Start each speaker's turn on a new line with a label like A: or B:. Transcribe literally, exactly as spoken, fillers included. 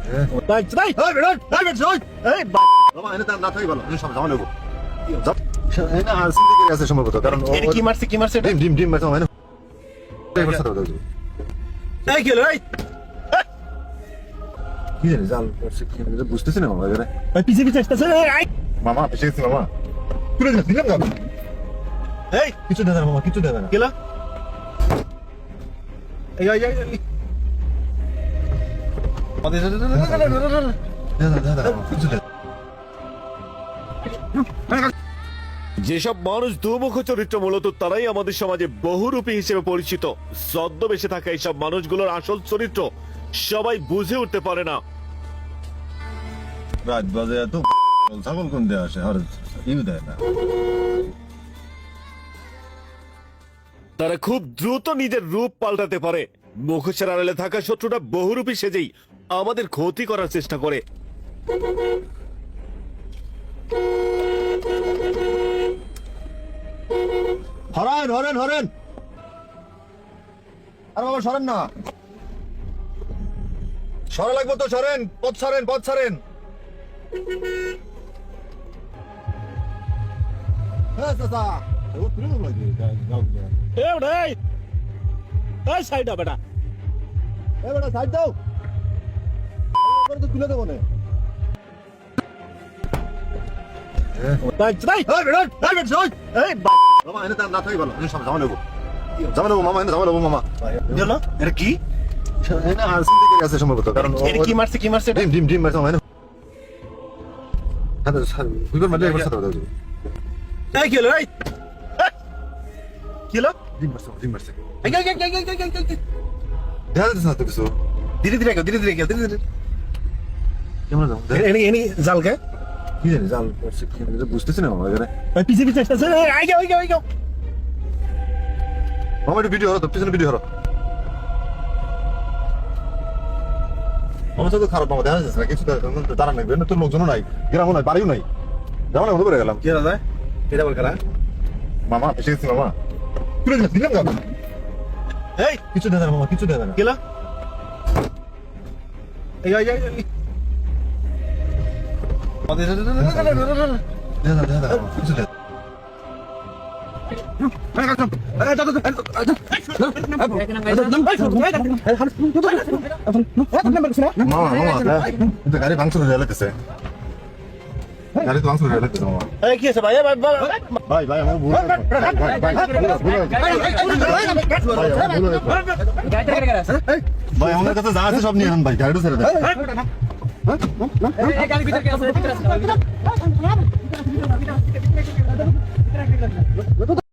A: তাই তাই এই বেটা এই বেটা এই
B: বাবা এনে তার না থাকি ভালো সব জামা নেবো এনে আর সিদ্ধি করে আছে সম্ভবত কারণ
A: এটা কি মারছে কি মারছে
B: ডিম ডিম ডিম মারছে মানে ড্রাইভার সাথে কথা
A: এই কি হলো এই
B: কি জানি জাল করছে কি বুঝতেছি না মামা এবারে
A: এই পিছে পিছে আসতেছে এই
B: মামা পিছে গেছি মামা তুলে দিলাম দিলাম না
A: এই
B: কিছু দেয় না মামা কিছু দেয় না
A: কি হলো এই এই এই আমাদের
B: দেয় না দেয় না কিছু দেয়
C: যেসব মানুষ দুমুখ চরিত্র মূলত তারাই আমাদের সমাজে বহুরূপী হিসেবে পরিচিত। ছদ্মবেশে থাকা এইসব মানুষগুলোর আসল চরিত্র সবাই বুঝে উঠতে পারে না।
B: রাত বাজে এত ছাগল কোন দেয় আসে আর ইউ দেয় না
C: তারা খুব দ্রুত নিজের রূপ পাল্টাতে পারে। মুখোশের আড়ালে থাকা শত্রুটা বহুরূপী সেজেই আমাদের ক্ষতি করার চেষ্টা করে।
B: হরেন হরেন হরেন আর বাবা সরেন না সরা লাগবে তো সরেন পথ ছাড়েন পথ ছাড়েন হ্যাঁ চাচা ও তুলে দেবো নাকি গাও
A: এই বেটা এই এই সাইডা বেটা
B: এ বেটা সাইড দাও করে তো তুলে দেবো না
A: তাই তাই এই বেটা এই বেটা এই
B: মামা এনে তার না থাকি ভালো সব জামা নেবো জামা নেবো মামা এনে জামা নেবো মামা
A: কি হলো এটা কি
B: এনে আর সিদ্ধি করে আছে সম্ভবত কারণ
A: এটা কি মারছে কি মারছে
B: ডিম ডিম ডিম মারছে মানে হ্যাঁ স্যার দুইবার মারলে একবার সাথে কথা
A: এই কি হলো এই কি হলো
B: ডিম মারছে ডিম মারছে
A: এই এই এই এই এই এই
B: দেখা যাচ্ছে না তো কিছু
A: ধীরে ধীরে গেল ধীরে ধীরে গেল ধীরে ধীরে
B: কেমন যাও
A: এনি এনি জালকে
B: কি জানি জাল করছে কি বুঝতেছি না মামা এবারে
A: এই পিছে পিছে আসতেছে এই আই যাও আই যাও আই যাও
B: মামা একটু ভিডিও হলো তো পিছনে ভিডিও হলো মামা তো খারাপ মামা দেখা যাচ্ছে না কিছু দাঁড়ান নাই তো লোকজনও নাই গ্রামও নাই বাড়িও নাই যাবো না মনে করে গেলাম
A: কি দাদা এটা বল করা
B: মামা এসে গেছি মামা তুলে দিলাম দিলাম না
A: এই
B: কিছু দেয় না মামা কিছু দেয় না
A: কি হলো এই এই এই আমাদের
B: দেয় না দেয় না কিছু দেয় মামা মামা কিন্তু গাড়ি ভাঙচুর হয়ে লাগতেছে গাড়ি তো ভাঙচুর হয়ে লাগতেছে মামা
A: এই কি আছে ভাই ভাই
B: ভাই ভাই আমার ভুল হয়েছে। ভাই ভাই ভুল হয়েছে। ভাই আমার কাছে যা আছে সব নিয়ে আন ভাই গাড়িটা ছেড়ে দেন